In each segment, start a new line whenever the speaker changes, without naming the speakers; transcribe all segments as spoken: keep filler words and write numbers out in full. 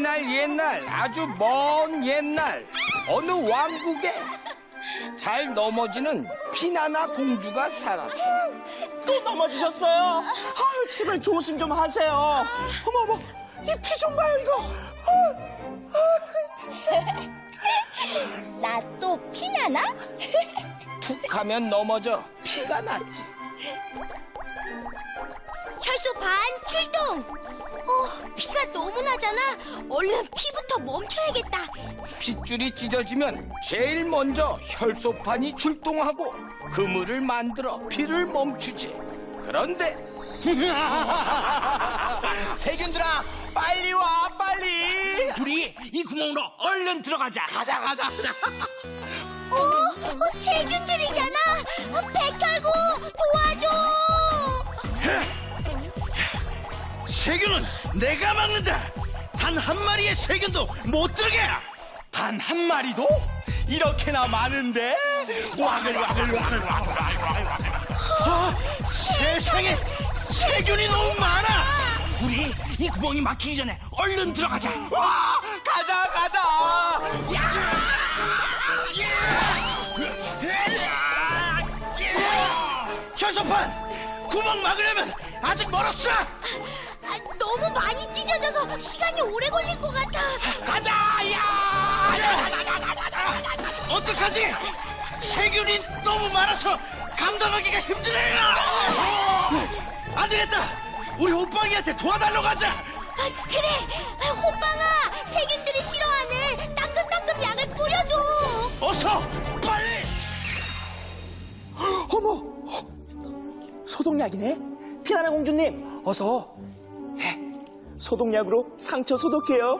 옛날 옛날 아주 먼 옛날 어느 왕국에 잘 넘어지는 피나나 공주가 살았어.
또 넘어지셨어요? 아유, 제발 조심 좀 하세요. 어머, 어머, 이 피 좀 봐요, 이거. 아, 아, 진짜.
나 또 피나나?
툭 하면 넘어져 피가 났지.
혈소 반 출동! 어, 피가 너무 나잖아. 얼른 피부터 멈춰야겠다.
핏줄이 찢어지면 제일 먼저 혈소판이 출동하고 그물을 만들어 피를 멈추지. 그런데
세균들아, 빨리 와, 빨리.
우리 이 구멍으로 얼른 들어가자.
가자, 가자, 가자.
어, 어 세균들이잖아. 어, 백혈구 도와줘.
세균은 내가 막는다. 단 한 마리의 세균도 못 들게.
단 한 마리도? 이렇게나 많은데? 와글, 와글, 와글, 와글, 와글, 와글, 와글.
아, 세상에 세균이 너무 많아. 우리 이 구멍이 막히기 전에 얼른 들어가자.
와, 가자, 가자. 야!
혈소판 구멍 막으려면 아직 멀었어.
아, 너무 많이 찢어져서 시간이 오래 걸릴 것 같아.
가자. 야! 어떡하지? 세균이 너무 많아서 감당하기가 힘드네요. 안 되겠다. 우리 호빵이한테 도와달라고 가자.
아, 그래. 아, 호빵아, 세균들이 싫어하는 따끔따끔 약을 뿌려줘.
어서 빨리.
어머, 소독약이네. 피나나 공주님, 어서. 해. 소독약으로 상처 소독해요.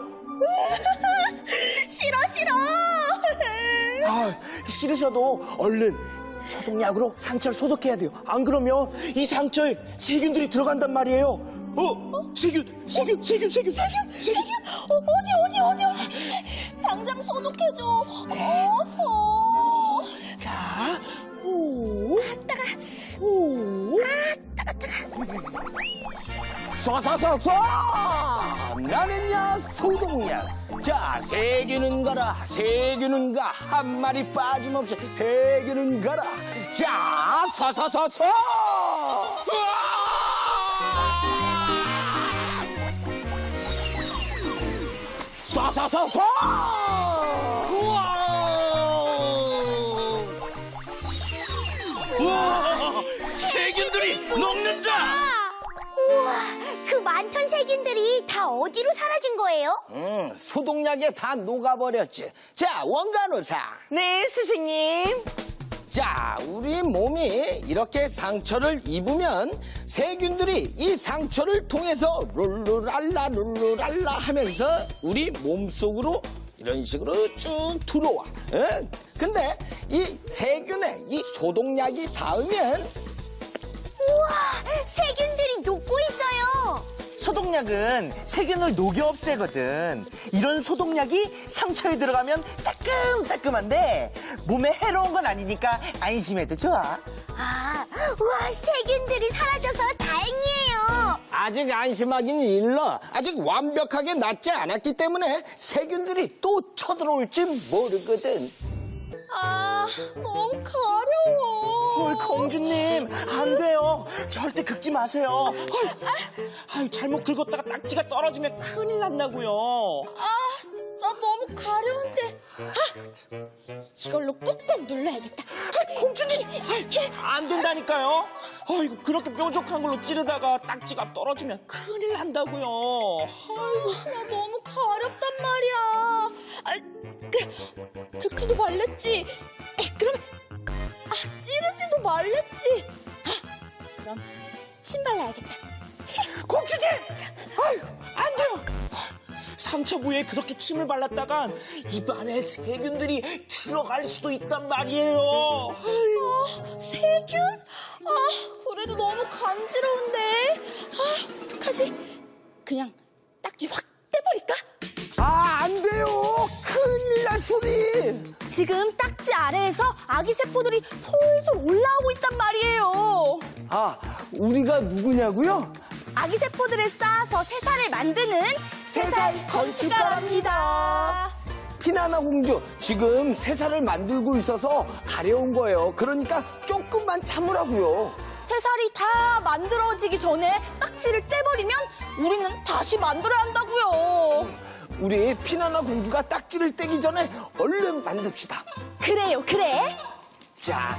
싫어, 싫어.
아, 싫으셔도 얼른 소독약으로 상처를 소독해야 돼요. 안 그러면 이 상처에 세균들이 들어간단 말이에요. 어? 세균, 세균, 세균, 세균, 세균, 세균.
어, 어디, 어디, 어디, 어디. 당장 소독해줘. 어서.
자, 오, 따가, 오,
쏴쏴쏴쏴! 나는야 소독약. 자, 세균은 가라, 세균은 가. 한 마리 빠짐없이 세균은 가라. 자, 쏴쏴쏴쏴! 쏴쏴쏴쏴!
우와, 세균들이 녹는다.
우와, 그 많던 세균들이 다 어디로 사라진 거예요?
음, 소독약에 다 녹아버렸지. 자, 원간호사.
네, 스승님.
자, 우리 몸이 이렇게 상처를 입으면 세균들이 이 상처를 통해서 룰루랄라 룰루랄라 하면서 우리 몸속으로 이런 식으로 쭉 들어와. 응? 근데 이 세균에 이 소독약이 닿으면
우와, 세균들이 녹고 있어요.
소독약은 세균을 녹여 없애거든. 이런 소독약이 상처에 들어가면 따끔따끔한데 몸에 해로운 건 아니니까 안심해도 좋아.
아, 우와, 세균들이 사라져서 다행이에요.
아직 안심하긴 일러. 아직 완벽하게 낫지 않았기 때문에 세균들이 또 쳐들어올지 모르거든.
아, 너무 가려워.
헐, 공주님, 안 돼요. 절대 긁지 마세요. 헐, 아유, 잘못 긁었다가 딱지가 떨어지면 큰일 난다고요.
아, 나 너무 가려운데. 아, 이걸로 꾹꾹 눌러야겠다.
아, 공주님, 아이, 안 된다니까요. 아이고, 그렇게 뾰족한 걸로 찌르다가 딱지가 떨어지면 큰일 난다고요. 아이고,
나 너무 가렵단 말이야. 아, 그, 긁지도 말랬지. 에, 그러면, 아, 찌르지도 말랬지. 아, 그럼 침 발라야겠다.
공주님! 아유, 안 돼요. 상처 부위에 그렇게 침을 발랐다간 입안에 세균들이 들어갈 수도 있단 말이에요.
어, 세균? 아, 그래도 너무 간지러운데. 아, 어떡하지? 그냥 딱지 확 떼버릴까?
아, 안 돼요. 큰일 날 소리.
지금 딱지 아래에서 아기 세포들이 솔솔 올라오고 있단 말이에요.
아, 우리가 누구냐고요?
아기 세포들을 쌓아서 새살을 만드는
세 살 건축가랍니다.
피나나 공주, 지금 새 살을 만들고 있어서 가려운 거예요. 그러니까 조금만 참으라고요.
새살이 다 만들어지기 전에 딱지를 떼버리면 우리는 다시 만들어야 한다고요.
우리 피나나 공주가 딱지를 떼기 전에 얼른 만듭시다.
그래요, 그래.
자,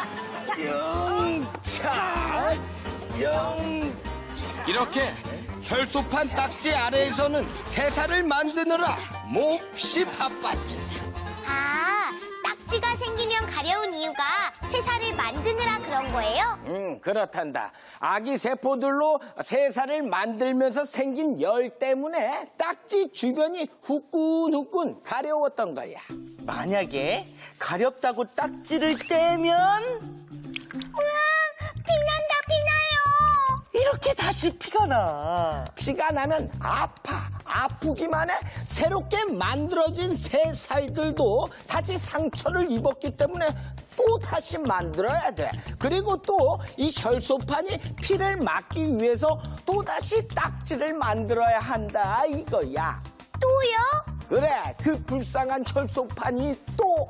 영차, 영.
이렇게 혈소판 딱지 아래에서는 새살을 만드느라 몹시 바빴지.
아, 딱지가 생기면 가려운 이유가 새살을 만드느라 그런 거예요?
음, 그렇단다. 아기 세포들로 새살을 만들면서 생긴 열 때문에 딱지 주변이 후끈후끈 가려웠던 거야.
만약에 가렵다고 딱지를 떼면
피난다, 피나요.
이렇게 다시 피가 나.
피가 나면 아파. 아프기만 해. 새롭게 만들어진 새살들도 다시 상처를 입었기 때문에 또 다시 만들어야 돼. 그리고 또 이 혈소판이 피를 막기 위해서 또 다시 딱지를 만들어야 한다 이거야.
또요?
그래, 그 불쌍한 혈소판이 또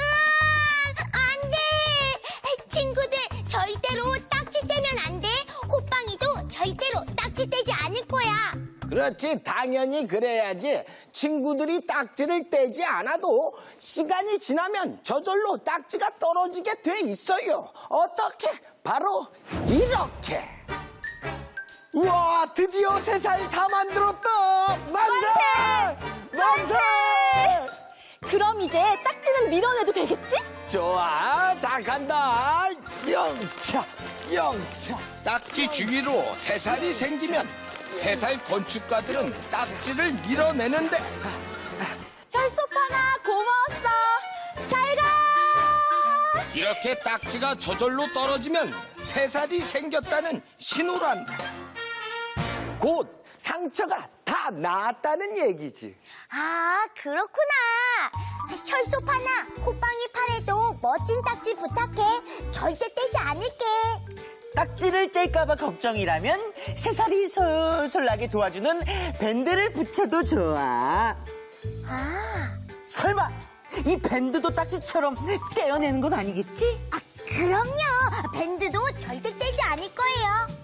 안 돼! 친구들, 절대로 딱지 떼면 안 돼. 호빵이도 절대로 딱지 떼지 않을 거야.
그렇지, 당연히 그래야지. 친구들이 딱지를 떼지 않아도 시간이 지나면 저절로 딱지가 떨어지게 돼 있어요. 어떻게? 바로 이렇게. 우와, 드디어 새 살 다 만들었다. 만세! 만세!
그럼 이제 딱지는 밀어내도 되겠지?
좋아, 자 간다. 영차, 영차.
딱지 주위로 새살이 생기면 새살 건축가들은 딱지를 밀어내는데
혈소파나 고마웠어. 잘 가.
이렇게 딱지가 저절로 떨어지면 새살이 생겼다는 신호란다.
곧 상처가 다 나았다는 얘기지.
아, 그렇구나. 혈소파나 호빵이 팔에도 멋진 딱지 부탁해. 절대 떼지 않을게.
딱지를 뗄까봐 걱정이라면 새살이 솔솔 나게 도와주는 밴드를 붙여도 좋아.
아,
설마 이 밴드도 딱지처럼 떼어내는 건 아니겠지?
아, 그럼요. 밴드도 절대 떼지 않을 거예요.